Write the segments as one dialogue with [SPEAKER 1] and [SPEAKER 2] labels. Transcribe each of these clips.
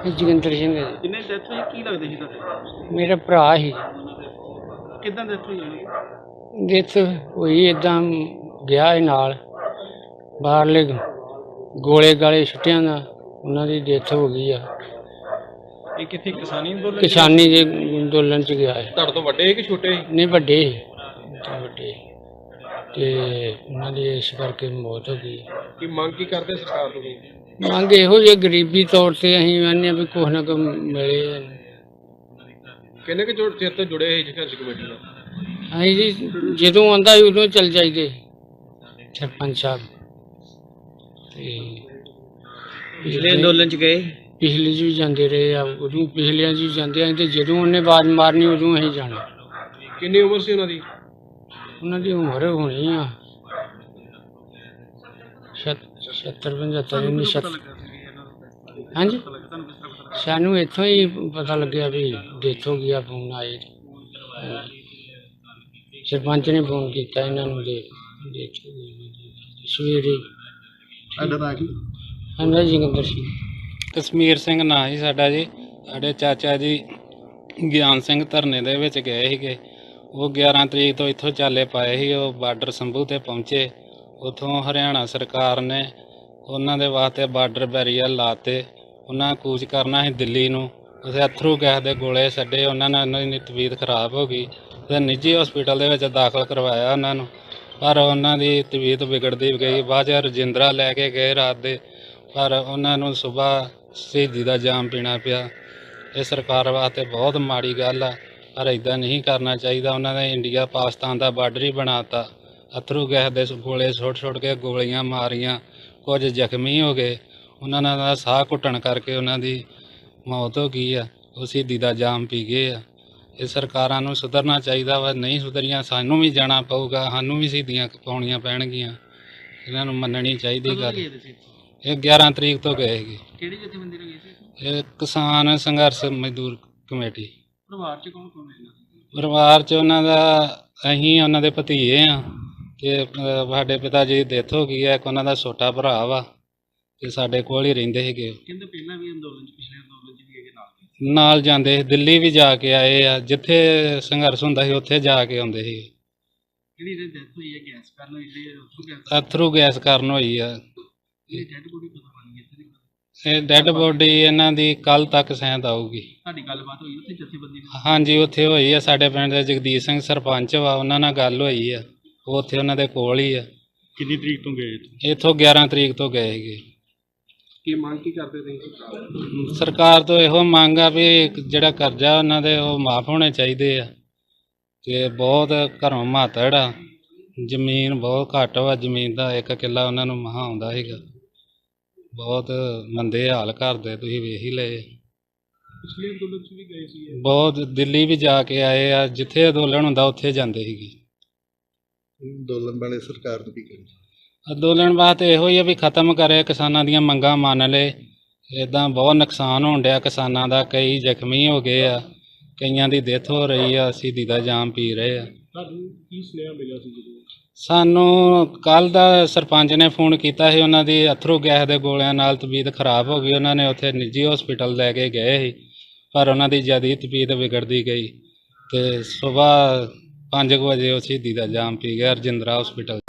[SPEAKER 1] ਜੋਗਿੰਦਰ ਸਿੰਘ ਹੈ ਜੀ।
[SPEAKER 2] ਕਿੰਨੇ ਡੈਥ ਹੋਈ ਕੀ ਲੱਗਦੇ ਸੀ ਤੁਹਾਡੇ?
[SPEAKER 1] ਮੇਰਾ ਭਰਾ ਸੀ।
[SPEAKER 2] ਕਿੱਦਾਂ ਡੈਥ ਹੋਈ ਉਹਦੀ?
[SPEAKER 1] ਡੈਥ ਹੋਈ ਇੱਦਾਂ ਗਿਆ ਸੀ ਨਾਲ ਬਾਹਰਲੇ ਗੋਲੇ ਗਾਲੇ ਛੁੱਟਿਆਂ ਦਾ ਉਹਨਾਂ ਦੀ ਡੈਥ ਹੋ ਗਈ ਆ।
[SPEAKER 2] ਇਹ ਕਿੱਥੇ ਕਿਸਾਨੀ ਅੰਦੋਲਨ?
[SPEAKER 1] ਕਿਸਾਨੀ ਦੇ ਅੰਦੋਲਨ ਚ ਗਿਆ ਹੈ।
[SPEAKER 2] ਤੁਹਾਡੇ ਤੋਂ ਵੱਡੇ ਕਿ ਛੋਟੇ?
[SPEAKER 1] ਨਹੀਂ ਵੱਡੇ ਵੱਡੇ ਤੇ ਉਹਨਾਂ ਦੀ ਇਸ ਕਰਕੇ ਮੌਤ ਹੋ ਗਈ।
[SPEAKER 2] ਕੀ ਮੰਗ ਕੀ ਕਰਦੇ ਸਰਕਾਰ ਤੋਂ?
[SPEAKER 1] ਮੰਗ ਇਹੋ ਜਿਹੀ ਗਰੀਬੀ ਤੌਰ ਤੇ ਅਸੀਂ ਕਹਿੰਦੇ ਹਾਂ ਵੀ ਕੁਛ ਨਾ ਕੁਛ ਮਿਲੇ।
[SPEAKER 2] ਕਿੰਨੇ ਕੁ ਚਿਰ ਤੋਂ ਜੁੜੇ ਸੀ ਸੰਘਰਸ਼ ਕਮੇਟੀ ਨਾਲ?
[SPEAKER 1] ਅਸੀਂ ਜੀ ਜਦੋਂ ਆਉਂਦਾ ਸੀ ਉਦੋਂ ਚੱਲ ਜਾਈਦੇ ਸਰਪੰਚ ਸਾਹਿਬ ਤੇ
[SPEAKER 2] ਪਿਛਲੇ ਅੰਦੋਲਨ ਚ ਗਏ?
[SPEAKER 1] ਪਿਛਲੇ 'ਚ ਵੀ ਜਾਂਦੇ ਰਹੇ ਆ, ਉਦੋਂ ਪਿਛਲਿਆਂ 'ਚ ਵੀ ਜਾਂਦੇ ਆ ਤੇ ਜਦੋਂ ਉਹਨੇ ਆਵਾਜ਼ ਮਾਰਨੀ ਉਦੋਂ ਅਸੀਂ ਜਾਣਾ।
[SPEAKER 2] ਕਿੰਨੀ ਉਮਰ ਸੀ ਉਹਨਾਂ ਦੀ?
[SPEAKER 1] ਉਹਨਾਂ ਦੀ ਉਮਰ ਹੋਣੀ ਆ 70-75 ਹਾਂਜੀ। ਸਾਨੂੰ ਇੱਥੋਂ ਹੀ ਪਤਾ ਲੱਗਿਆ ਵੀ ਡੈਥ ਹੋ ਗਈ ਆ। ਫੋਨ ਆਏ ਸਰਪੰਚ ਨੇ ਫੋਨ ਕੀਤਾ ਇਹਨਾਂ ਨੂੰ ਦੇ ਡੈਥ ਹੋ ਗਈ ਸਵੇਰੇ। ਹਾਂਜੀ ਜੋਗਿੰਦਰ ਸਿੰਘ।
[SPEAKER 3] ਕਸ਼ਮੀਰ ਸਿੰਘ ਨਾਂ ਸੀ ਸਾਡਾ ਜੀ। ਸਾਡੇ ਚਾਚਾ ਜੀ ਗਿਆਨ ਸਿੰਘ ਧਰਨੇ ਦੇ ਵਿੱਚ ਗਏ ਸੀਗੇ। ਉਹ 11 ਤਰੀਕ ਤੋਂ ਇੱਥੋਂ ਚਾਲੇ ਪਾਏ ਸੀ। ਉਹ ਬਾਰਡਰ ਸੰਭੂ 'ਤੇ ਪਹੁੰਚੇ। ਉੱਥੋਂ ਹਰਿਆਣਾ ਸਰਕਾਰ ਨੇ ਉਹਨਾਂ ਦੇ ਵਾਸਤੇ ਬਾਰਡਰ ਬੈਰੀਅਰ ਲਾਤੇ। ਉਹਨਾਂ ਕੂਚ ਕਰਨਾ ਸੀ ਦਿੱਲੀ ਨੂੰ। ਉੱਥੇ ਅਥਰੂ ਗੈਸ ਦੇ ਗੋਲੇ ਛੱਡੇ। ਉਹਨਾਂ ਨਾਲ ਉਹਨਾਂ ਦੀ ਤਬੀਅਤ ਖਰਾਬ ਹੋ ਗਈ ਅਤੇ ਨਿੱਜੀ ਹਸਪੀਟਲ ਦੇ ਵਿੱਚ ਦਾਖਲ ਕਰਵਾਇਆ ਉਹਨਾਂ ਨੂੰ, ਪਰ ਉਹਨਾਂ ਦੀ ਤਬੀਅਤ ਵਿਗੜਦੀ ਗਈ। ਬਾਅਦ 'ਚ ਰਜਿੰਦਰਾ ਲੈ ਕੇ ਗਏ ਰਾਤ ਦੇ, ਪਰ ਉਹਨਾਂ ਨੂੰ ਸੁਬਾਹ ਸ਼ਹੀਦੀ ਦਾ ਜਾਮ ਪੀਣਾ ਪਿਆ। ਇਹ ਸਰਕਾਰ ਵਾਸਤੇ ਬਹੁਤ ਮਾੜੀ ਗੱਲ ਆ, ਪਰ ਇੱਦਾਂ ਨਹੀਂ ਕਰਨਾ ਚਾਹੀਦਾ। ਉਹਨਾਂ ਨੇ ਇੰਡੀਆ ਪਾਕਿਸਤਾਨ ਦਾ ਬਾਰਡਰ ਹੀ ਬਣਾਤਾ। ਅਥਰੂ ਗੈਸ ਦੇ ਗੋਲੇ ਸੁੱਟ ਕੇ ਗੋਲੀਆਂ ਮਾਰੀਆਂ। ਕੁਝ ਜ਼ਖਮੀ ਹੋ ਗਏ। ਉਹਨਾਂ ਦਾ ਸਾਹ ਘੁੱਟਣ ਕਰਕੇ ਉਹਨਾਂ ਦੀ ਮੌਤ ਹੋ ਗਈ ਆ। ਉਹ ਸ਼ਹੀਦੀ ਦਾ ਜਾਮ ਪੀ ਗਏ ਆ। ਇਹ ਸਰਕਾਰਾਂ ਨੂੰ ਸੁਧਰਨਾ ਚਾਹੀਦਾ ਵਾ। ਨਹੀਂ ਸੁਧਰੀਆਂ ਸਾਨੂੰ ਵੀ ਜਾਣਾ ਪਊਗਾ, ਸਾਨੂੰ ਵੀ ਸ਼ਹੀਦੀਆਂ ਪਾਉਣੀਆਂ ਪੈਣਗੀਆਂ। ਇਹਨਾਂ ਨੂੰ ਮੰਨਣੀ ਚਾਹੀਦੀ ਗੱਲ। ਇਹ 11 ਤਰੀਕ ਤੋਂ ਗਏ ਸੀਗੇ।
[SPEAKER 2] ਕਿਹੜੀ ਜਥੇਬੰਦੀ ਨਾਲ ਗਏ ਸੀ?
[SPEAKER 3] ਇਹ ਕਿਸਾਨ ਸੰਘਰਸ਼ ਮਜ਼ਦੂਰ ਕਮੇਟੀ।
[SPEAKER 2] ਪਰਿਵਾਰ ਚ ਕੌਣ ਕੌਣ ਹੈ?
[SPEAKER 3] ਪਰਿਵਾਰ 'ਚ ਉਹਨਾਂ ਦਾ ਅਸੀਂ ਉਹਨਾਂ ਦੇ ਭਤੀਜੇ ਆ ਤੇ ਸਾਡੇ ਪਿਤਾ ਜੀ ਦੀ ਡੈਥ ਹੋ ਗਈ ਹੈ। ਇੱਕ ਉਹਨਾਂ ਦਾ ਛੋਟਾ ਭਰਾ ਵਾ ਤੇ ਸਾਡੇ ਕੋਲ ਹੀ ਰਹਿੰਦੇ ਸੀਗੇ।
[SPEAKER 2] ਕਹਿੰਦੇ ਪਹਿਲਾਂ ਵੀ ਅੰਦੋਲਨ ਚ, ਪਿਛਲੇ ਅੰਦੋਲਨ ਚ ਵੀ
[SPEAKER 3] ਨਾਲ ਜਾਂਦੇ ਸੀ। ਦਿੱਲੀ ਵੀ ਜਾ ਕੇ ਆਏ ਆ। ਜਿੱਥੇ ਸੰਘਰਸ਼ ਹੁੰਦਾ ਸੀ ਉੱਥੇ ਜਾ ਕੇ ਆਉਂਦੇ ਸੀ।
[SPEAKER 2] ਜਿਹੜੀ ਇਹਦੀ ਡੈਥ ਹੋਈ ਹੈ ਗੈਸ ਕਾਰਨ ਹੋਈ
[SPEAKER 3] ਅਥਰੂ ਗੈਸ ਕਾਰਨ ਹੋਈ ਆ।
[SPEAKER 2] ਇਹ ਡੈਡ ਬੋਡੀ ਕਦੋਂ ਬਣੀ ਇੱਥੇ ਦੀ?
[SPEAKER 3] ਇਹ ਡੈੱਡ ਬੋਡੀ ਇਹਨਾਂ ਦੀ ਕੱਲ ਤੱਕ ਸ਼ਾਇਦ ਆਊਗੀ।
[SPEAKER 2] ਸਾਡੀ ਗੱਲਬਾਤ ਹੋਈ ਉੱਥੇ ਜਥੇਬੰਦੀ ਨਾਲ?
[SPEAKER 3] ਹਾਂਜੀ ਉੱਥੇ ਹੋਈ ਆ। ਸਾਡੇ ਪਿੰਡ ਦੇ ਜਗਦੀਸ਼ ਸਿੰਘ ਸਰਪੰਚ ਵਾ, ਉਹਨਾਂ ਨਾਲ ਗੱਲ ਹੋਈ ਆ। ਉਹ ਉੱਥੇ ਉਹਨਾਂ ਦੇ ਕੋਲ ਹੀ ਆ।
[SPEAKER 2] ਕਿੰਨੀ ਤਰੀਕ ਤੋਂ ਗਏ?
[SPEAKER 3] ਇੱਥੋਂ 11 ਤਰੀਕ ਤੋਂ ਗਏ ਸੀਗੇ।
[SPEAKER 2] ਕੀ ਮੰਗ ਕੀ ਕਰਦੇ ਤੁਸੀਂ?
[SPEAKER 3] ਸਰਕਾਰ ਤੋਂ ਇਹੋ ਮੰਗ ਆ ਵੀ ਜਿਹੜਾ ਕਰਜ਼ਾ ਉਹਨਾਂ ਦੇ ਉਹ ਮਾਫ ਹੋਣੇ ਚਾਹੀਦੇ ਆ ਤੇ ਬਹੁਤ ਘਰੋਂ ਮਾਤੜ ਆ। ਜ਼ਮੀਨ ਬਹੁਤ ਘੱਟ ਵਾ। ਜ਼ਮੀਨ ਦਾ 1 ਕਿੱਲਾ ਉਹਨਾਂ ਨੂੰ ਮਹਾਂ ਆਉਂਦਾ ਸੀਗਾ। ਬਹੁਤ ਮੰਦੇ ਹਾਲ ਕਰਦੇ, ਤੁਸੀਂ ਵੇਖ ਹੀ ਲਏ।
[SPEAKER 2] ਪਿਛਲੇ ਅੰਦੋਲਨ ਚ ਵੀ ਗਏ ਸੀ?
[SPEAKER 3] ਬਹੁਤ ਦਿੱਲੀ ਵੀ ਜਾ ਕੇ ਆਏ ਆ। ਜਿੱਥੇ ਅੰਦੋਲਨ ਹੁੰਦਾ ਉੱਥੇ ਜਾਂਦੇ ਸੀਗੇ।
[SPEAKER 2] ਅੰਦੋਲਨ ਵਾਲੇ ਸਰਕਾਰ ਨੂੰ ਕੀ ਕਹਿੰਦੇ?
[SPEAKER 3] ਅੰਦੋਲਨ ਵਾਸਤੇ ਇਹੋ ਹੀ ਆ ਵੀ ਖਤਮ ਕਰੇ, ਕਿਸਾਨਾਂ ਦੀਆਂ ਮੰਗਾਂ ਮੰਨ ਲਏ। ਇੱਦਾਂ ਬਹੁਤ ਨੁਕਸਾਨ ਹੋਣ ਡਿਆ ਕਿਸਾਨਾਂ ਦਾ। ਕਈ ਜ਼ਖਮੀ ਹੋ ਗਏ ਆ, ਕਈਆਂ ਦੀ ਡੈਥ ਹੋ ਰਹੀ ਆ, ਸ਼ਹੀਦੀ ਦਾ ਜਾਮ ਪੀ ਰਹੇ ਆ।
[SPEAKER 2] ਤੁਹਾਨੂੰ ਕੀ ਸੁਨੇਹਾ ਮਿਲਿਆ ਸੀ ਜਦੋਂ?
[SPEAKER 3] ਸਾਨੂੰ ਕੱਲ੍ਹ ਦਾ ਸਰਪੰਚ ਨੇ ਫੋਨ ਕੀਤਾ ਸੀ। ਉਹਨਾਂ ਦੀ ਅਥਰੂ ਗੈਸ ਦੇ ਗੋਲਿਆਂ ਨਾਲ ਤਬੀਅਤ ਖਰਾਬ ਹੋ ਗਈ। ਉਹਨਾਂ ਨੇ ਉੱਥੇ ਨਿੱਜੀ ਹਸਪੀਟਲ ਲੈ ਕੇ ਗਏ ਸੀ, ਪਰ ਉਹਨਾਂ ਦੀ ਜ਼ਿਆਦਾ ਤਬੀਅਤ ਵਿਗੜਦੀ ਗਈ ਅਤੇ ਸੁਬਾਹ 5 ਵਜੇ ਉਹ ਸ਼ਹੀਦੀ ਦਾ ਜਾਮ ਪੀ ਗਿਆ ਰਜਿੰਦਰਾ ਹਸਪੀਟਲ।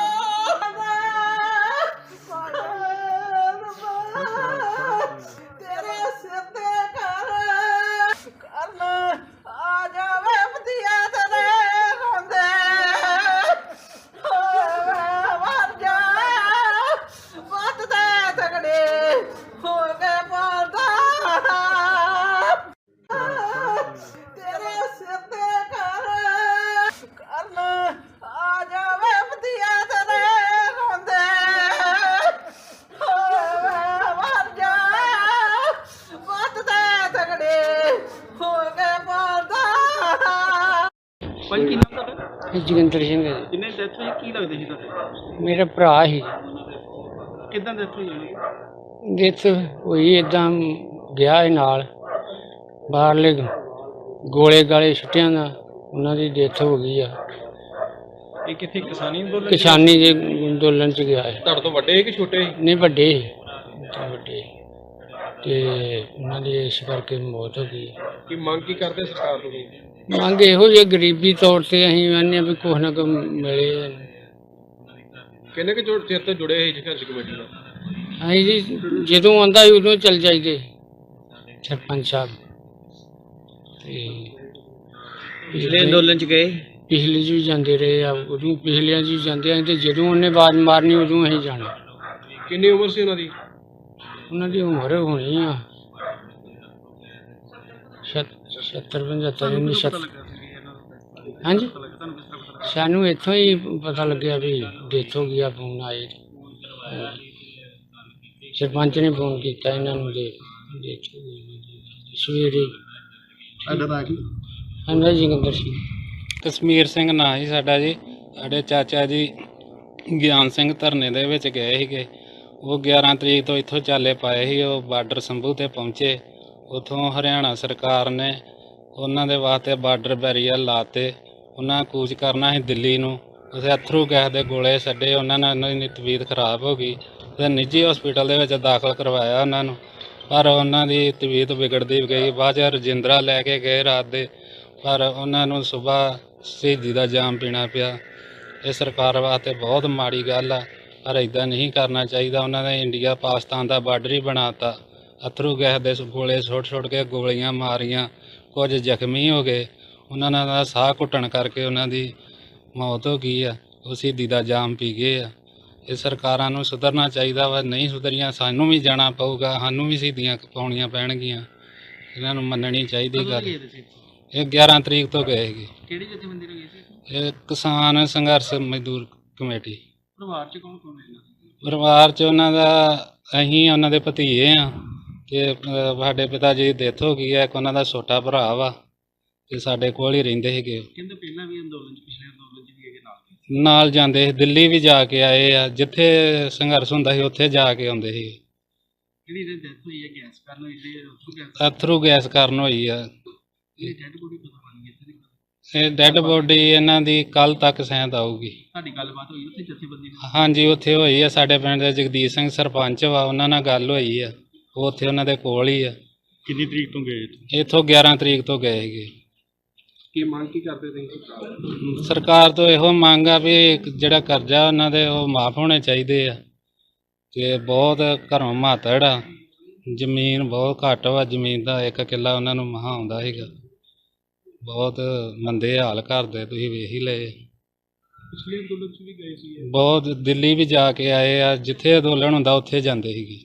[SPEAKER 2] ਭਾਈ ਕੀ ਨਾਮ ਤੁਹਾਡਾ?
[SPEAKER 1] ਜੋਗਿੰਦਰ ਸਿੰਘ ਹੈ ਜੀ।
[SPEAKER 2] ਕਿੰਨੇ ਡੈਥ ਹੋਈ ਕੀ ਲੱਗਦੇ ਸੀ ਤੁਹਾਡੇ?
[SPEAKER 1] ਮੇਰਾ ਭਰਾ ਸੀ।
[SPEAKER 2] ਕਿੱਦਾਂ ਡੈਥ ਹੋਈ ਉਹਦੀ?
[SPEAKER 1] ਡੈਥ ਹੋਈ ਇੱਦਾਂ ਗਿਆ ਸੀ ਨਾਲ ਬਾਹਰਲੇ ਗੋਲੇ ਗਾਲੇ ਛੁੱਟਿਆਂ ਦਾ ਉਹਨਾਂ ਦੀ ਡੈਥ ਹੋ ਗਈ ਆ।
[SPEAKER 2] ਇਹ ਕਿੱਥੇ ਕਿਸਾਨੀ ਅੰਦੋਲਨ?
[SPEAKER 1] ਕਿਸਾਨੀ ਦੇ ਅੰਦੋਲਨ ਚ ਗਿਆ ਹੈ।
[SPEAKER 2] ਤੁਹਾਡੇ ਤੋਂ ਵੱਡੇ ਕਿ ਛੋਟੇ?
[SPEAKER 1] ਨਹੀਂ ਵੱਡੇ ਵੱਡੇ ਤੇ ਉਹਨਾਂ ਦੀ ਇਸ ਕਰਕੇ ਮੌਤ ਹੋ ਗਈ।
[SPEAKER 2] ਕੀ ਮੰਗ ਕੀ ਕਰਦੇ ਸਰਕਾਰ ਤੋਂ ਤੁਸੀਂ?
[SPEAKER 1] ਮੰਗ ਇਹੋ ਜਿਹੀ ਗਰੀਬੀ ਤੌਰ ਤੇ ਅਸੀਂ ਕਹਿੰਦੇ ਹਾਂ ਵੀ ਕੁਛ ਨਾ ਕੁਛ ਮਿਲੇ।
[SPEAKER 2] ਕਿੰਨੇ ਕੁ ਚਿਰ ਤੋਂ ਜੁੜੇ ਸੀ ਸੰਘਰਸ਼ ਕਮੇਟੀ ਨਾਲ?
[SPEAKER 1] ਅਸੀਂ ਜੀ ਜਦੋਂ ਆਉਂਦਾ ਸੀ ਉਦੋਂ ਚੱਲ ਜਾਈਦੇ ਸਰਪੰਚ ਸਾਹਿਬ। ਤੇ
[SPEAKER 4] ਪਿਛਲੇ ਅੰਦੋਲਨ ਚ ਗਏ?
[SPEAKER 1] ਪਿਛਲੇ 'ਚ ਵੀ ਜਾਂਦੇ ਰਹੇ ਆ, ਉਦੋਂ ਪਿਛਲਿਆਂ 'ਚ ਵੀ ਜਾਂਦੇ ਆ ਤੇ ਜਦੋਂ ਉਹਨੇ ਆਵਾਜ਼ ਮਾਰਨੀ ਉਦੋਂ ਅਸੀਂ ਜਾਣਾ।
[SPEAKER 2] ਕਿੰਨੀ ਉਮਰ ਸੀ ਉਹਨਾਂ ਦੀ?
[SPEAKER 1] ਉਹਨਾਂ ਦੀ ਉਮਰ ਹੋਣੀ ਆ 70-75 ਹਾਂਜੀ। ਸਾਨੂੰ ਇੱਥੋਂ ਹੀ ਪਤਾ ਲੱਗਿਆ ਵੀ ਡੈਥ ਹੋ ਗਈ ਆ, ਫੋਨ ਆਏ। ਸਰਪੰਚ ਨੇ ਫੋਨ ਕੀਤਾ ਇਹਨਾਂ ਨੂੰ ਦੇ ਡੈਥ ਹੋ ਗਈ ਸਵੇਰੇ। ਹਾਂਜੀ ਜੋਗਿੰਦਰ ਸਿੰਘ।
[SPEAKER 3] ਕਸ਼ਮੀਰ ਸਿੰਘ ਨਾਂ ਸੀ ਸਾਡਾ ਜੀ। ਸਾਡੇ ਚਾਚਾ ਜੀ ਗਿਆਨ ਸਿੰਘ ਧਰਨੇ ਦੇ ਵਿੱਚ ਗਏ ਸੀਗੇ। ਉਹ 11 ਤਰੀਕ ਤੋਂ ਇੱਥੋਂ ਚਾਲੇ ਪਾਏ ਸੀ। ਉਹ ਬਾਰਡਰ ਸੰਭੂ ਤੇ ਪਹੁੰਚੇ। ਉੱਥੋਂ ਹਰਿਆਣਾ ਸਰਕਾਰ ਨੇ ਉਹਨਾਂ ਦੇ ਵਾਸਤੇ ਬਾਰਡਰ ਬੈਰੀਅਰ ਲਾਤੇ। ਉਹਨਾਂ ਕੂਚ ਕਰਨਾ ਸੀ ਦਿੱਲੀ ਨੂੰ। ਉੱਥੇ ਅਥਰੂ ਗੈਸ ਦੇ ਗੋਲੇ ਛੱਡੇ। ਉਹਨਾਂ ਨਾਲ ਉਹਨਾਂ ਦੀ ਤਬੀਅਤ ਖਰਾਬ ਹੋ ਗਈ ਤੇ ਨਿੱਜੀ ਹਸਪੀਟਲ ਦੇ ਵਿੱਚ ਦਾਖਲ ਕਰਵਾਇਆ ਉਹਨਾਂ ਨੂੰ, ਪਰ ਉਹਨਾਂ ਦੀ ਤਬੀਅਤ ਵਿਗੜਦੀ ਗਈ। ਬਾਅਦ 'ਚ ਰਜਿੰਦਰਾ ਲੈ ਕੇ ਗਏ ਰਾਤ ਦੇ, ਪਰ ਉਹਨਾਂ ਨੂੰ ਸੁਬਾਹ ਸ਼ਹੀਦੀ ਦਾ ਜਾਮ ਪੀਣਾ ਪਿਆ। ਇਹ ਸਰਕਾਰ ਵਾਸਤੇ ਬਹੁਤ ਮਾੜੀ ਗੱਲ ਆ, ਪਰ ਇੱਦਾਂ ਨਹੀਂ ਕਰਨਾ ਚਾਹੀਦਾ। ਉਹਨਾਂ ਨੇ ਇੰਡੀਆ ਪਾਕਿਸਤਾਨ ਦਾ ਬਾਰਡਰ ਹੀ ਬਣਾਤਾ। ਅਥਰੂ ਗੈਸ ਦੇ ਗੋਲੇ ਸੁੱਟ ਕੇ ਗੋਲੀਆਂ ਮਾਰੀਆਂ, ਕੁਝ ਜ਼ਖਮੀ ਹੋ ਗਏ। ਉਹਨਾਂ ਦਾ ਸਾਹ ਘੁੱਟਣ ਕਰਕੇ ਉਹਨਾਂ ਦੀ ਮੌਤ ਹੋ ਗਈ ਆ। ਉਹ ਸ਼ਹੀਦੀ ਦਾ ਜਾਮ ਪੀ ਗਏ ਆ। ਇਹ ਸਰਕਾਰਾਂ ਨੂੰ ਸੁਧਰਨਾ ਚਾਹੀਦਾ ਵਾ। ਨਹੀਂ ਸੁਧਰੀਆਂ ਸਾਨੂੰ ਵੀ ਜਾਣਾ ਪਊਗਾ, ਸਾਨੂੰ ਵੀ ਸ਼ਹੀਦੀਆਂ ਪਾਉਣੀਆਂ ਪੈਣਗੀਆਂ। ਇਹਨਾਂ ਨੂੰ ਮੰਨਣੀ ਚਾਹੀਦੀ ਗੱਲ। ਇਹ 11 ਤਰੀਕ ਤੋਂ ਗਏ ਸੀਗੇ।
[SPEAKER 4] ਕਿਹੜੀ ਜਥੇਬੰਦੀ ਨਾਲ ਗਏ ਸੀ?
[SPEAKER 3] ਇਹ ਕਿਸਾਨ ਸੰਘਰਸ਼ ਮਜ਼ਦੂਰ ਕਮੇਟੀ।
[SPEAKER 4] ਪਰਿਵਾਰ ਚ ਕੌਣ ਕੌਣ ਹੈ?
[SPEAKER 3] ਪਰਿਵਾਰ 'ਚ ਉਹਨਾਂ ਦਾ ਅਸੀਂ ਉਹਨਾਂ ਦੇ ਭਤੀਜੇ ਆ ਤੇ ਸਾਡੇ ਪਿਤਾ ਜੀ ਦੀ ਡੈਥ ਹੋ ਗਈ ਹੈ। ਇੱਕ ਉਹਨਾਂ ਦਾ ਛੋਟਾ ਭਰਾ ਵਾ ਤੇ ਸਾਡੇ ਕੋਲ ਹੀ ਰਹਿੰਦੇ ਸੀਗੇ।
[SPEAKER 4] ਕਹਿੰਦੇ ਪਹਿਲਾਂ ਵੀ ਅੰਦੋਲਨ ਚ, ਪਿਛਲੇ ਅੰਦੋਲਨ ਚ ਵੀ ਹੈਗੇ
[SPEAKER 3] ਨਾਲ ਜਾਂਦੇ ਸੀ। ਦਿੱਲੀ ਵੀ ਜਾ ਕੇ ਆਏ ਆ। ਜਿੱਥੇ ਸੰਘਰਸ਼ ਹੁੰਦਾ ਸੀ ਉੱਥੇ ਜਾ ਕੇ ਆਉਂਦੇ ਸੀ।
[SPEAKER 4] ਜਿਹੜੀ ਇਹਦੀ ਡੈਥ ਹੋਈ ਹੈ ਗੈਸ ਕਾਰਨ ਹੋਈ ਹੈ?
[SPEAKER 3] ਅਥਰੂ ਗੈਸ ਕਾਰਨ ਹੋਈ ਆ।
[SPEAKER 4] ਇਹ ਡੈਡ ਬੋਡੀ ਪਤਾ ਬਣੀ ਇੱਥੇ ਦੀ?
[SPEAKER 3] ਇਹ ਡੈੱਡ ਬੋਡੀ ਇਹਨਾਂ ਦੀ ਕੱਲ ਤੱਕ ਸ਼ਾਇਦ ਆਊਗੀ।
[SPEAKER 4] ਸਾਡੀ ਗੱਲਬਾਤ ਹੋਈ ਉੱਥੇ ਜਥੇਬੰਦੀ ਨਾਲ?
[SPEAKER 3] ਹਾਂਜੀ ਉੱਥੇ ਹੋਈ ਆ। ਸਾਡੇ ਪਿੰਡ ਦੇ ਜਗਦੀਸ਼ ਸਿੰਘ ਸਰਪੰਚ ਵਾ, ਉਹਨਾਂ ਨਾਲ ਗੱਲ ਹੋਈ ਆ। ਉਹ ਉੱਥੇ ਉਹਨਾਂ ਦੇ ਕੋਲ ਹੀ ਆ।
[SPEAKER 4] ਕਿੰਨੀ ਤਰੀਕ ਤੋਂ ਗਏ?
[SPEAKER 3] ਇੱਥੋਂ 11 ਤਰੀਕ ਤੋਂ ਗਏ ਸੀਗੇ।
[SPEAKER 2] ਕੀ ਮੰਗ ਕੀ ਕਰਦੇ ਤੁਸੀਂ?
[SPEAKER 3] ਸਰਕਾਰ ਤੋਂ ਇਹੋ ਮੰਗ ਆ ਵੀ ਜਿਹੜਾ ਕਰਜ਼ਾ ਉਹਨਾਂ ਦੇ ਉਹ ਮਾਫ ਹੋਣੇ ਚਾਹੀਦੇ ਆ। ਤੇ ਬਹੁਤ ਘਰੋਂ ਮਾਤੜ ਆ, ਜ਼ਮੀਨ ਬਹੁਤ ਘੱਟ ਵਾ। ਜ਼ਮੀਨ ਦਾ 1 ਕਿੱਲਾ ਉਹਨਾਂ ਨੂੰ ਮਹਾਂ ਆਉਂਦਾ ਸੀਗਾ। ਬਹੁਤ ਮੰਦੇ ਹਾਲ ਕਰਦੇ, ਤੁਸੀਂ ਵੇਖ ਹੀ ਲਏ।
[SPEAKER 2] ਪਿਛਲੇ ਅੰਦੋਲਨ ਚ ਵੀ ਗਏ ਸੀ?
[SPEAKER 3] ਬਹੁਤ ਦਿੱਲੀ ਵੀ ਜਾ ਕੇ ਆਏ ਆ। ਜਿੱਥੇ ਅੰਦੋਲਨ ਹੁੰਦਾ ਉੱਥੇ ਜਾਂਦੇ ਸੀਗੇ।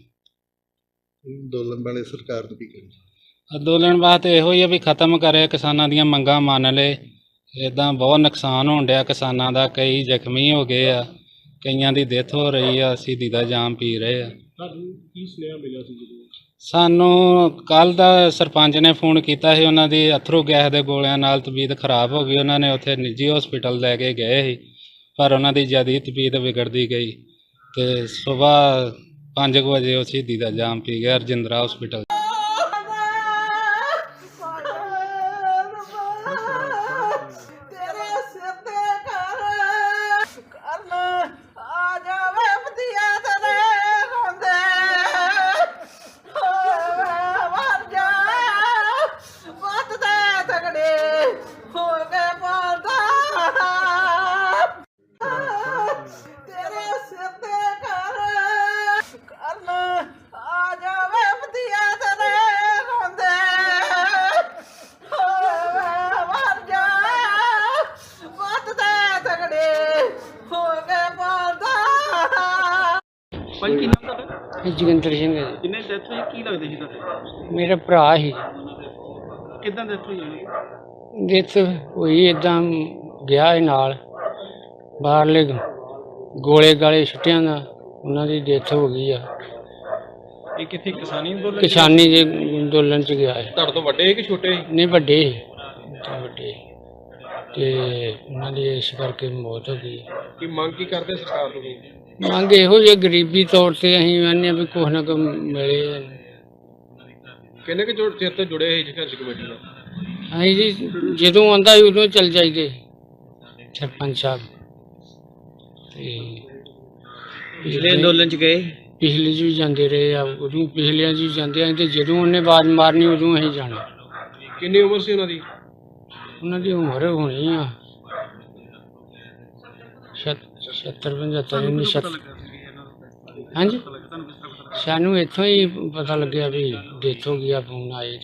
[SPEAKER 5] ਅੰਦੋਲਨ ਵਾਲੇ ਸਰਕਾਰ ਨੂੰ ਕੀ ਕਹਿੰਦੇ?
[SPEAKER 3] ਅੰਦੋਲਨ ਵਾਸਤੇ ਇਹੋ ਹੀ ਆ ਵੀ ਖਤਮ ਕਰੇ, ਕਿਸਾਨਾਂ ਦੀਆਂ ਮੰਗਾਂ ਮੰਨ ਲਏ। ਇੱਦਾਂ ਬਹੁਤ ਨੁਕਸਾਨ ਹੋਣ ਡਿਆ ਕਿਸਾਨਾਂ ਦਾ। ਕਈ ਜ਼ਖਮੀ ਹੋ ਗਏ ਆ, ਕਈਆਂ ਦੀ ਡੈਥ ਹੋ ਰਹੀ ਆ, ਸ਼ਹੀਦੀ ਦਾ ਜਾਮ ਪੀ ਰਹੇ ਆ।
[SPEAKER 2] ਤੁਹਾਨੂੰ ਕੀ ਸੁਨੇਹਾ ਮਿਲਿਆ ਸੀ ਜਦੋਂ?
[SPEAKER 3] ਸਾਨੂੰ ਕੱਲ ਦਾ ਸਰਪੰਚ ਨੇ ਫੋਨ ਕੀਤਾ ਸੀ। ਉਹਨਾਂ ਦੀ ਅਥਰੂ ਗੈਸ ਦੇ ਗੋਲਿਆਂ ਨਾਲ ਤਬੀਅਤ ਖਰਾਬ ਹੋ ਗਈ। ਉਹਨਾਂ ਨੇ ਉੱਥੇ ਨਿੱਜੀ ਹਸਪੀਟਲ ਲੈ ਕੇ ਗਏ ਸੀ, ਪਰ ਉਹਨਾਂ ਦੀ ਜ਼ਿਆਦਾ ਤਬੀਅਤ ਵਿਗੜਦੀ ਗਈ ਤੇ ਸੁਬਾਹ 5 ਵਜੇ ਉਹ ਸ਼ਹੀਦੀ ਦਾ ਜਾਮ ਪੀ ਗਿਆ ਰਜਿੰਦਰਾ ਹਸਪੀਟਲ।
[SPEAKER 4] ਭਾਈ ਕੀ ਨਾਮ ਤੁਹਾਡਾ?
[SPEAKER 1] ਜੋਗਿੰਦਰ ਸਿੰਘ ਹੈ ਜੀ।
[SPEAKER 4] ਜਿੰਨੇ ਡੈਥ ਹੋਈ ਕੀ ਲੱਗਦੇ ਸੀ ਤੁਹਾਡੇ?
[SPEAKER 1] ਮੇਰਾ ਭਰਾ ਸੀ।
[SPEAKER 4] ਕਿੱਦਾਂ ਡੈਥ ਹੋਈ ਉਹਦੀ?
[SPEAKER 1] ਡੈਥ ਹੋਈ ਇੱਦਾਂ ਗਿਆ ਸੀ ਨਾਲ, ਬਾਹਰਲੇ ਗੋਲੇ ਗਾਲੇ ਛੁੱਟਿਆਂ ਦਾ ਉਹਨਾਂ ਦੀ ਡੈਥ ਹੋ ਗਈ ਆ।
[SPEAKER 2] ਇਹ ਕਿੱਥੇ ਕਿਸਾਨੀ ਅੰਦੋਲਨ?
[SPEAKER 1] ਕਿਸਾਨੀ ਦੇ ਅੰਦੋਲਨ ਚ ਗਿਆ ਹੈ।
[SPEAKER 2] ਤੁਹਾਡੇ ਤੋਂ ਵੱਡੇ ਸੀ ਕਿ ਛੋਟੇ ਸੀ?
[SPEAKER 1] ਨਹੀਂ ਵੱਡੇ ਸੀ, ਤਾਂ ਵੱਡੇ ਤੇ ਉਹਨਾਂ ਦੀ ਇਸ ਕਰਕੇ ਮੌਤ ਹੋ ਗਈ।
[SPEAKER 2] ਕੀ ਮੰਗ ਕੀ ਕਰਦੇ ਸਰਕਾਰ ਤੋਂ ਤੁਸੀਂ?
[SPEAKER 1] ਮੰਗ ਇਹੋ ਜਿਹੀ ਗਰੀਬੀ ਤੌਰ ਤੇ ਅਸੀਂ ਕਹਿੰਦੇ ਹਾਂ ਵੀ ਕੁਛ ਨਾ ਕੁਛ ਮਿਲੇ।
[SPEAKER 2] ਕਿੰਨੇ ਕੁ ਚਿਰ ਤੋਂ ਜੁੜੇ ਸੀ ਸੰਘਰਸ਼ ਕਮੇਟੀ ਨਾਲ?
[SPEAKER 1] ਅਸੀਂ ਜੀ ਜਦੋਂ ਆਉਂਦਾ ਸੀ ਉਦੋਂ ਚੱਲ ਜਾਈਦੇ ਸਰਪੰਚ ਸਾਹਿਬ। ਤੇ
[SPEAKER 4] ਪਿਛਲੇ ਅੰਦੋਲਨ ਚ ਗਏ?
[SPEAKER 1] ਪਿਛਲੇ 'ਚ ਵੀ ਜਾਂਦੇ ਰਹੇ ਆ, ਉਦੋਂ ਪਿਛਲਿਆਂ 'ਚ ਵੀ ਜਾਂਦੇ ਆ ਤੇ ਜਦੋਂ ਉਹਨੇ ਆਵਾਜ਼ ਮਾਰਨੀ ਉਦੋਂ ਅਸੀਂ ਜਾਣਾ।
[SPEAKER 2] ਕਿੰਨੀ ਉਮਰ ਸੀ ਉਹਨਾਂ ਦੀ?
[SPEAKER 1] ਉਹਨਾਂ ਦੀ ਉਮਰ ਹੋਣੀ ਆ 70 75 ਨਹੀਂ ਹਾਂਜੀ ਸਾਨੂੰ ਇੱਥੋਂ ਹੀ ਪਤਾ ਲੱਗਿਆ ਵੀ ਡੈਥ ਹੋ ਗਈ ਆ। ਫੋਨ ਆਏ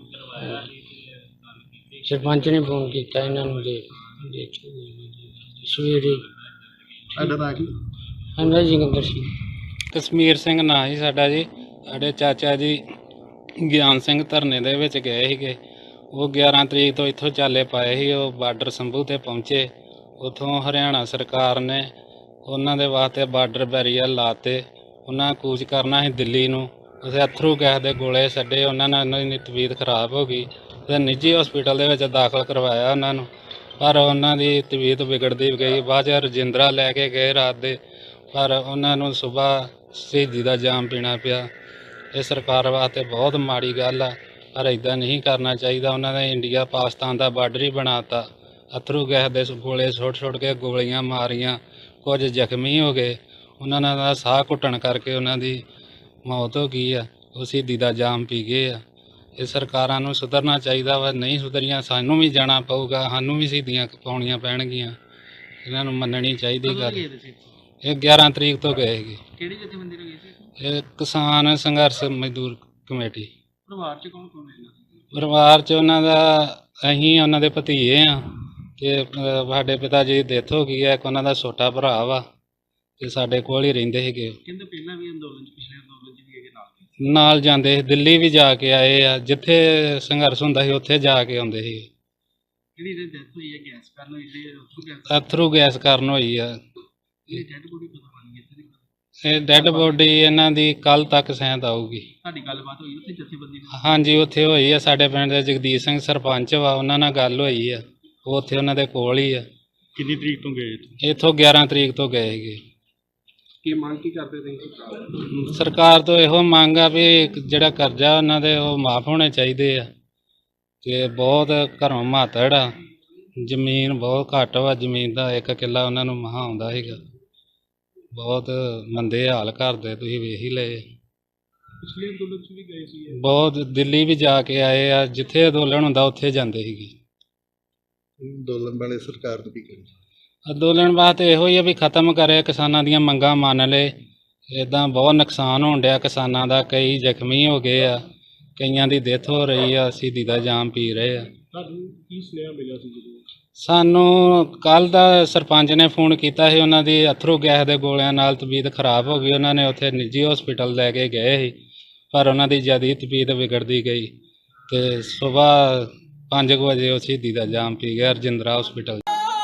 [SPEAKER 1] ਸਰਪੰਚ ਨੇ ਫੋਨ ਕੀਤਾ ਇਹਨਾਂ ਨੂੰ ਦੇ ਡੈਥ ਹੋ ਗਈ ਸਵੇਰੇ।
[SPEAKER 5] ਤੁਹਾਡਾ ਨਾਂ ਕੀ?
[SPEAKER 1] ਹਾਂਜੀ ਜੋਗਿੰਦਰ ਸਿੰਘ।
[SPEAKER 3] ਕਸ਼ਮੀਰ ਸਿੰਘ ਨਾਂ ਸੀ ਸਾਡਾ ਜੀ। ਸਾਡੇ ਚਾਚਾ ਜੀ ਗਿਆਨ ਸਿੰਘ ਧਰਨੇ ਦੇ ਵਿੱਚ ਗਏ ਸੀਗੇ। ਉਹ 11 ਤਰੀਕ ਤੋਂ ਇੱਥੋਂ ਚਾਲੇ ਪਾਏ ਸੀ। ਉਹ ਬਾਰਡਰ ਸੰਭੂ ਤੇ ਪਹੁੰਚੇ। ਉੱਥੋਂ ਹਰਿਆਣਾ ਸਰਕਾਰ ਨੇ ਉਹਨਾਂ ਦੇ ਵਾਸਤੇ ਬਾਰਡਰ ਬੈਰੀਅਰ ਲਾਤੇ। ਉਹਨਾਂ ਕੂਚ ਕਰਨਾ ਸੀ ਦਿੱਲੀ ਨੂੰ। ਉੱਥੇ ਅਥਰੂ ਗੈਸ ਦੇ ਗੋਲੇ ਛੱਡੇ। ਉਹਨਾਂ ਨਾਲ ਉਹਨਾਂ ਦੀ ਤਬੀਅਤ ਖਰਾਬ ਹੋ ਗਈ ਤੇ ਨਿੱਜੀ ਹਸਪੀਟਲ ਦੇ ਵਿੱਚ ਦਾਖਲ ਕਰਵਾਇਆ ਉਹਨਾਂ ਨੂੰ, ਪਰ ਉਹਨਾਂ ਦੀ ਤਬੀਅਤ ਵਿਗੜਦੀ ਗਈ। ਬਾਅਦ 'ਚ ਰਜਿੰਦਰਾ ਲੈ ਕੇ ਗਏ ਰਾਤ ਦੇ, ਪਰ ਉਹਨਾਂ ਨੂੰ ਸੁਬਾਹ ਸ਼ਹੀਦੀ ਦਾ ਜਾਮ ਪੀਣਾ ਪਿਆ। ਇਹ ਸਰਕਾਰ ਵਾਸਤੇ ਬਹੁਤ ਮਾੜੀ ਗੱਲ ਆ, ਪਰ ਇੱਦਾਂ ਨਹੀਂ ਕਰਨਾ ਚਾਹੀਦਾ। ਉਹਨਾਂ ਨੇ ਇੰਡੀਆ ਪਾਕਿਸਤਾਨ ਦਾ ਬਾਰਡਰ ਹੀ ਬਣਾਤਾ। ਅਥਰੂ ਗੈਸ ਦੇ ਗੋਲੇ ਸੁੱਟ ਕੇ ਗੋਲੀਆਂ ਮਾਰੀਆਂ, ਕੁਝ ਜ਼ਖਮੀ ਹੋ ਗਏ। ਉਹਨਾਂ ਦਾ ਸਾਹ ਘੁੱਟਣ ਕਰਕੇ ਉਹਨਾਂ ਦੀ ਮੌਤ ਹੋ ਗਈ ਆ। ਉਹ ਸ਼ਹੀਦੀ ਦਾ ਜਾਮ ਪੀ ਗਏ ਆ। ਇਹ ਸਰਕਾਰਾਂ ਨੂੰ ਸੁਧਰਨਾ ਚਾਹੀਦਾ ਵਾ। ਨਹੀਂ ਸੁਧਰੀਆਂ ਸਾਨੂੰ ਵੀ ਜਾਣਾ ਪਊਗਾ, ਸਾਨੂੰ ਵੀ ਸ਼ਹੀਦੀਆਂ ਪਾਉਣੀਆਂ ਪੈਣਗੀਆਂ। ਇਹਨਾਂ ਨੂੰ ਮੰਨਣੀ ਚਾਹੀਦੀ ਗੱਲ। ਇਹ 11 ਤਰੀਕ ਤੋਂ ਗਏ ਸੀਗੇ।
[SPEAKER 4] ਕਿਹੜੀ ਜਥੇਬੰਦੀ ਨਾਲ ਗਏ ਸੀ?
[SPEAKER 3] ਇਹ ਕਿਸਾਨ ਸੰਘਰਸ਼ ਮਜ਼ਦੂਰ ਕਮੇਟੀ।
[SPEAKER 4] ਪਰਿਵਾਰ ਚ ਕੌਣ ਕੌਣ ਹੈ?
[SPEAKER 3] ਪਰਿਵਾਰ 'ਚ ਉਹਨਾਂ ਦਾ ਅਸੀਂ ਉਹਨਾਂ ਦੇ ਭਤੀਜੇ ਆ ਤੇ ਸਾਡੇ ਪਿਤਾ ਜੀ ਦੀ ਡੈਥ ਹੋ ਗਈ ਹੈ। ਇੱਕ ਉਹਨਾਂ ਦਾ ਛੋਟਾ ਭਰਾ ਵਾ ਤੇ ਸਾਡੇ ਕੋਲ ਹੀ ਰਹਿੰਦੇ ਸੀਗੇ।
[SPEAKER 4] ਕਹਿੰਦੇ ਪਹਿਲਾਂ ਵੀ ਅੰਦੋਲਨ ਚ, ਪਿਛਲੇ ਅੰਦੋਲਨ ਚ ਵੀ ਹੈਗੇ ਨਾਲ।
[SPEAKER 3] ਨਾਲ ਜਾਂਦੇ ਸੀ, ਦਿੱਲੀ ਵੀ ਜਾ ਕੇ ਆਏ ਆ। ਜਿੱਥੇ ਸੰਘਰਸ਼ ਹੁੰਦਾ ਸੀ ਉੱਥੇ ਜਾ ਕੇ ਆਉਂਦੇ ਸੀ।
[SPEAKER 4] ਜਿਹੜੀ ਡੈਥ ਹੋਈ ਹੈ ਗੈਸ ਕਾਰਨ ਹੋਈ, ਜਿਹੜੇ ਉੱਥੋਂ ਗੈਸ
[SPEAKER 3] ਅਥਰੂ ਗੈਸ ਕਾਰਨ ਹੋਈ ਆ।
[SPEAKER 4] ਇਹ ਡੈਡ ਬੋਡੀ ਪਤਾ ਬਣੀ ਇੱਥੇ ਦੀ।
[SPEAKER 3] ਇਹ ਡੈੱਡ ਬੋਡੀ ਇਹਨਾਂ ਦੀ ਕੱਲ ਤੱਕ ਸ਼ਾਇਦ ਆਊਗੀ।
[SPEAKER 4] ਸਾਡੀ ਗੱਲਬਾਤ ਹੋਈ ਉੱਥੇ ਜਥੇਬੰਦੀ ਨਾਲ?
[SPEAKER 3] ਹਾਂਜੀ ਉੱਥੇ ਹੋਈ ਆ। ਸਾਡੇ ਪਿੰਡ ਦੇ ਜਗਦੀਪ ਸਿੰਘ ਸਰਪੰਚ ਵਾ, ਉਹਨਾਂ ਨਾਲ ਗੱਲ ਹੋਈ ਆ। ਉਹ ਉੱਥੇ ਉਹਨਾਂ ਦੇ ਕੋਲ ਹੀ ਆ।
[SPEAKER 2] ਕਿੰਨੀ ਤਰੀਕ ਤੋਂ ਗਏ?
[SPEAKER 3] ਇੱਥੋਂ 11 ਤਰੀਕ ਤੋਂ ਗਏ ਸੀਗੇ।
[SPEAKER 2] ਕੀ ਮੰਗ ਕੀ ਕਰਦੇ ਤੁਸੀਂ?
[SPEAKER 3] ਸਰਕਾਰ ਤੋਂ ਇਹੋ ਮੰਗ ਆ ਵੀ ਜਿਹੜਾ ਕਰਜ਼ਾ ਉਹਨਾਂ ਦੇ ਉਹ ਮਾਫ ਹੋਣੇ ਚਾਹੀਦੇ ਆ। ਤੇ ਬਹੁਤ ਘਰੋਂ ਮਾਤੜ ਆ, ਜ਼ਮੀਨ ਬਹੁਤ ਘੱਟ ਵਾ। ਜ਼ਮੀਨ ਦਾ 1 ਕਿੱਲਾ ਉਹਨਾਂ ਨੂੰ ਮਹਾਂ ਆਉਂਦਾ ਸੀਗਾ। ਬਹੁਤ ਮੰਦੇ ਹਾਲ ਕਰਦੇ, ਤੁਸੀਂ ਵੇਖ ਹੀ ਲਏ।
[SPEAKER 2] ਪਿਛਲੇ ਅੰਦੋਲਨ ਚ ਵੀ ਗਏ ਸੀ?
[SPEAKER 3] ਬਹੁਤ ਦਿੱਲੀ ਵੀ ਜਾ ਕੇ ਆਏ ਆ। ਜਿੱਥੇ ਅੰਦੋਲਨ ਹੁੰਦਾ ਉੱਥੇ ਜਾਂਦੇ ਸੀਗੇ।
[SPEAKER 5] ਅੰਦੋਲਨ ਵਾਲੇ ਸਰਕਾਰ ਨੂੰ ਕੀ ਕਹਿਣਾ?
[SPEAKER 3] ਅੰਦੋਲਨ ਵਾਸਤੇ ਇਹੋ ਹੀ ਆ ਵੀ ਖਤਮ ਕਰੇ, ਕਿਸਾਨਾਂ ਦੀਆਂ ਮੰਗਾਂ ਮੰਨ ਲਏ। ਇੱਦਾਂ ਬਹੁਤ ਨੁਕਸਾਨ ਹੋਣ ਡਿਆ ਕਿਸਾਨਾਂ ਦਾ। ਕਈ ਜ਼ਖਮੀ ਹੋ ਗਏ ਆ, ਕਈਆਂ ਦੀ ਡੈਥ ਹੋ ਰਹੀ ਆ, ਸ਼ਹੀਦੀ ਦਾ ਜਾਮ ਪੀ ਰਹੇ ਆ।
[SPEAKER 2] ਤੁਹਾਨੂੰ ਕੀ ਸੁਨੇਹਾ ਮਿਲਿਆ ਸੀ ਜਦੋਂ?
[SPEAKER 3] ਸਾਨੂੰ ਕੱਲ ਦਾ ਸਰਪੰਚ ਨੇ ਫੋਨ ਕੀਤਾ ਸੀ। ਉਹਨਾਂ ਦੀ ਅਥਰੂ ਗੈਸ ਦੇ ਗੋਲਿਆਂ ਨਾਲ ਤਬੀਅਤ ਖਰਾਬ ਹੋ ਗਈ। ਉਹਨਾਂ ਨੇ ਉੱਥੇ ਨਿੱਜੀ ਹਸਪੀਟਲ ਲੈ ਕੇ ਗਏ ਸੀ, ਪਰ ਉਹਨਾਂ ਦੀ ਜ਼ਿਆਦਾ ਤਬੀਅਤ ਵਿਗੜਦੀ ਗਈ ਤੇ ਸੁਬਾਹ 5 ਵਜੇ ਉਹ ਸ਼ਹੀਦੀ ਦਾ ਜਾਮ ਪੀ ਗਿਆ ਰਜਿੰਦਰਾ ਹਸਪੀਟਲ।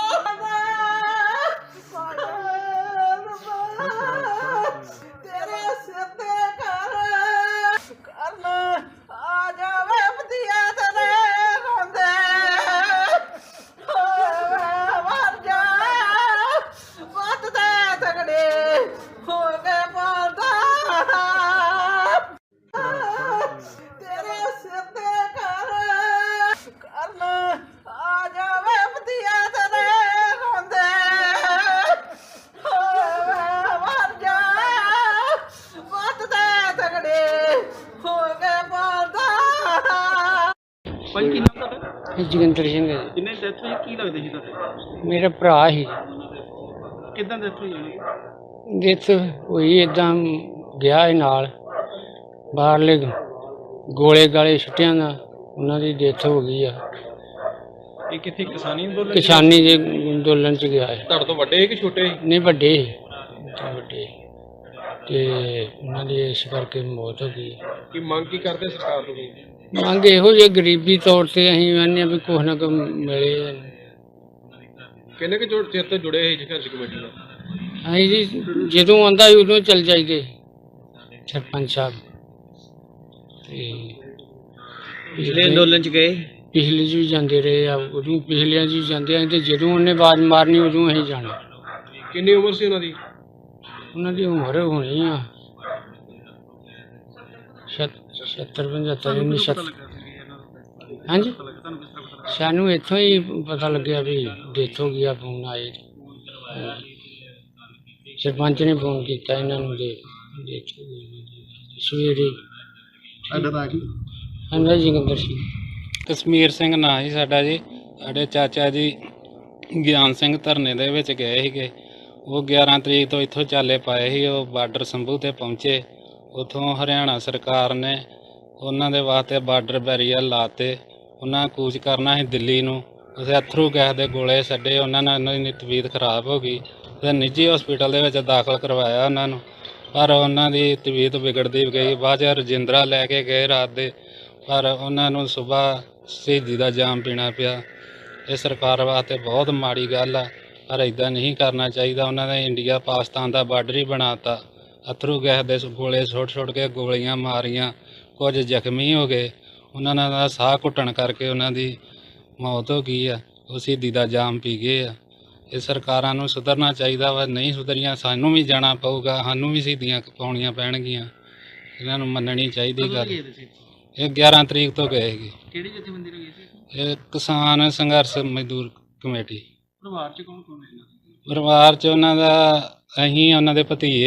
[SPEAKER 4] ਭਾਈ ਕੀ ਨਾਮ ਤੁਹਾਡਾ?
[SPEAKER 1] ਜੋਗਿੰਦਰ ਸਿੰਘ ਹੈ ਜੀ।
[SPEAKER 4] ਜਿੰਨੇ ਡੈਥ ਹੋਈ ਕੀ ਲੱਗਦੇ ਸੀ ਤੁਹਾਡੇ?
[SPEAKER 1] ਮੇਰਾ ਭਰਾ ਸੀ।
[SPEAKER 4] ਕਿੱਦਾਂ ਡੈਥ ਹੋਈ ਉਹਦੀ?
[SPEAKER 1] ਡੈਥ ਹੋਈ ਇੱਦਾਂ ਗਿਆ ਸੀ ਨਾਲ ਬਾਹਰਲੇ ਗੋਲੇ ਗਾਲੇ ਛੁੱਟਿਆਂ ਦਾ ਉਹਨਾਂ ਦੀ ਡੈਥ ਹੋ ਗਈ ਆ।
[SPEAKER 2] ਇਹ ਕਿੱਥੇ ਕਿਸਾਨੀ ਅੰਦੋਲਨ?
[SPEAKER 1] ਕਿਸਾਨੀ ਦੇ ਅੰਦੋਲਨ ਚ ਗਿਆ ਹੈ।
[SPEAKER 2] ਤੁਹਾਡੇ ਤੋਂ ਵੱਡੇ ਕਿ ਛੋਟੇ?
[SPEAKER 1] ਨਹੀਂ ਵੱਡੇ ਵੱਡੇ ਤੇ ਉਹਨਾਂ ਦੀ ਇਸ ਕਰਕੇ ਮੌਤ ਹੋ ਗਈ।
[SPEAKER 2] ਕੀ ਮੰਗ ਕੀ ਕਰਦੇ ਸਰਕਾਰ ਤੋਂ?
[SPEAKER 1] ਮੰਗ ਇਹੋ ਜਿਹੀ ਗਰੀਬੀ ਤੌਰ ਤੇ ਅਸੀਂ ਕਹਿੰਦੇ ਹਾਂ ਵੀ ਕੁਛ ਨਾ ਕੁਛ ਮਿਲੇ।
[SPEAKER 2] ਕਿੰਨੇ ਕੁ ਚਿਰ ਤੋਂ ਜੁੜੇ ਸੀ ਸੰਘਰਸ਼ ਕਮੇਟੀ ਨਾਲ?
[SPEAKER 1] ਅਸੀਂ ਜੀ ਜਦੋਂ ਆਉਂਦਾ ਸੀ ਉਦੋਂ ਚੱਲ ਜਾਈਦੇ ਸਰਪੰਚ ਸਾਹਿਬ। ਤੇ
[SPEAKER 4] ਪਿਛਲੇ ਅੰਦੋਲਨ ਚ ਗਏ?
[SPEAKER 1] ਪਿਛਲੇ 'ਚ ਵੀ ਜਾਂਦੇ ਰਹੇ ਆ, ਉਦੋਂ ਪਿਛਲਿਆਂ 'ਚ ਵੀ ਜਾਂਦੇ ਆ ਤੇ ਜਦੋਂ ਉਹਨੇ ਆਵਾਜ਼ ਮਾਰਨੀ ਉਦੋਂ ਅਸੀਂ ਜਾਣਾ।
[SPEAKER 2] ਕਿੰਨੀ ਉਮਰ ਸੀ ਉਹਨਾਂ ਦੀ?
[SPEAKER 1] ਉਹਨਾਂ ਦੀ ਉਮਰ ਹੋਣੀ ਆ 70 75 ਨਹੀਂ 70 ਹਾਂਜੀ ਸਾਨੂੰ ਇੱਥੋਂ ਹੀ ਪਤਾ ਲੱਗਿਆ ਵੀ ਡੈਥ ਹੋ ਗਈ ਆ। ਫੋਨ ਆਏ ਸਰਪੰਚ ਨੇ ਫੋਨ ਕੀਤਾ ਇਹਨਾਂ ਨੂੰ ਦੇ ਡੈਥ ਹੋ ਗਈ ਜੀ ਸਵੇਰੇ।
[SPEAKER 5] ਤੁਹਾਡਾ ਨਾਂ ਕੀ?
[SPEAKER 1] ਹਾਂਜੀ ਜੋਗਿੰਦਰ ਸਿੰਘ।
[SPEAKER 3] ਕਸ਼ਮੀਰ ਸਿੰਘ ਨਾਂ ਸੀ ਸਾਡਾ ਜੀ। ਸਾਡੇ ਚਾਚਾ ਜੀ ਗਿਆਨ ਸਿੰਘ ਧਰਨੇ ਦੇ ਵਿੱਚ ਗਏ ਸੀਗੇ। ਉਹ 11 ਤਰੀਕ ਤੋਂ ਇੱਥੋਂ ਚਾਲੇ ਪਾਏ ਸੀ। ਉਹ ਬਾਰਡਰ ਸੰਭੂ ਤੇ ਪਹੁੰਚੇ। ਉੱਥੋਂ ਹਰਿਆਣਾ ਸਰਕਾਰ ਨੇ ਉਹਨਾਂ ਦੇ ਵਾਸਤੇ ਬਾਰਡਰ ਬੈਰੀਅਰ ਲਾਤੇ। ਉਹਨਾਂ ਕੂਚ ਕਰਨਾ ਸੀ ਦਿੱਲੀ ਨੂੰ। ਉੱਥੇ ਅਥਰੂ ਗੈਸ ਦੇ ਗੋਲੇ ਛੱਡੇ। ਉਹਨਾਂ ਨਾਲ ਉਹਨਾਂ ਦੀ ਤਬੀਅਤ ਖਰਾਬ ਹੋ ਗਈ ਤੇ ਨਿੱਜੀ ਹਸਪੀਟਲ ਦੇ ਵਿੱਚ ਦਾਖਲ ਕਰਵਾਇਆ ਉਹਨਾਂ ਨੂੰ, ਪਰ ਉਹਨਾਂ ਦੀ ਤਬੀਅਤ ਵਿਗੜਦੀ ਗਈ। ਬਾਅਦ 'ਚ ਰਜਿੰਦਰਾ ਲੈ ਕੇ ਗਏ ਰਾਤ ਦੇ, ਪਰ ਉਹਨਾਂ ਨੂੰ ਸਵੇਰ ਸ਼ਹੀਦੀ ਦਾ ਜਾਮ ਪੀਣਾ ਪਿਆ। ਇਹ ਸਰਕਾਰ ਵਾਸਤੇ ਬਹੁਤ ਮਾੜੀ ਗੱਲ ਆ, ਪਰ ਇੱਦਾਂ ਨਹੀਂ ਕਰਨਾ ਚਾਹੀਦਾ। ਉਹਨਾਂ ਨੇ ਇੰਡੀਆ ਪਾਕਿਸਤਾਨ ਦਾ ਬਾਰਡਰ ਹੀ ਬਣਾਤਾ। ਅਥਰੂ ਗੈਸ ਦੇ ਗੋਲੇ ਸੁੱਟ ਕੇ ਗੋਲੀਆਂ ਮਾਰੀਆਂ। ਕੁਝ ਜ਼ਖਮੀ ਹੋ ਗਏ। ਉਹਨਾਂ ਦਾ ਸਾਹ ਘੁੱਟਣ ਕਰਕੇ ਉਹਨਾਂ ਦੀ ਮੌਤ ਹੋ ਗਈ ਆ। ਉਹ ਸ਼ਹੀਦੀ ਦਾ ਜਾਮ ਪੀ ਗਏ ਆ। ਇਹ ਸਰਕਾਰਾਂ ਨੂੰ ਸੁਧਰਨਾ ਚਾਹੀਦਾ ਵਾ। ਨਹੀਂ ਸੁਧਰੀਆਂ ਸਾਨੂੰ ਵੀ ਜਾਣਾ ਪਊਗਾ, ਸਾਨੂੰ ਵੀ ਸ਼ਹੀਦੀਆਂ ਪਾਉਣੀਆਂ ਪੈਣਗੀਆਂ। ਇਹਨਾਂ ਨੂੰ ਮੰਨਣੀ ਚਾਹੀਦੀ
[SPEAKER 4] ਕਦੋਂ
[SPEAKER 3] ਗੱਲ।
[SPEAKER 4] ਗਏ ਤੁਸੀਂ?
[SPEAKER 3] ਇਹ 11 ਤਰੀਕ ਤੋਂ ਗਏ ਸੀਗੇ।
[SPEAKER 4] ਕਿਹੜੀ ਜਥੇਬੰਦੀ ਨਾਲ ਗਏ ਸੀ?
[SPEAKER 3] ਇਹ ਕਿਸਾਨ ਸੰਘਰਸ਼ ਮਜ਼ਦੂਰ ਕਮੇਟੀ।
[SPEAKER 4] ਪਰਿਵਾਰ ਚ ਕੌਣ ਕੌਣ ਹੈ ਇਹਨਾਂ ਦੇ?
[SPEAKER 3] ਪਰਿਵਾਰ 'ਚ ਉਹਨਾਂ ਦਾ ਅਸੀਂ ਉਹਨਾਂ ਦੇ ਭਤੀਜੇ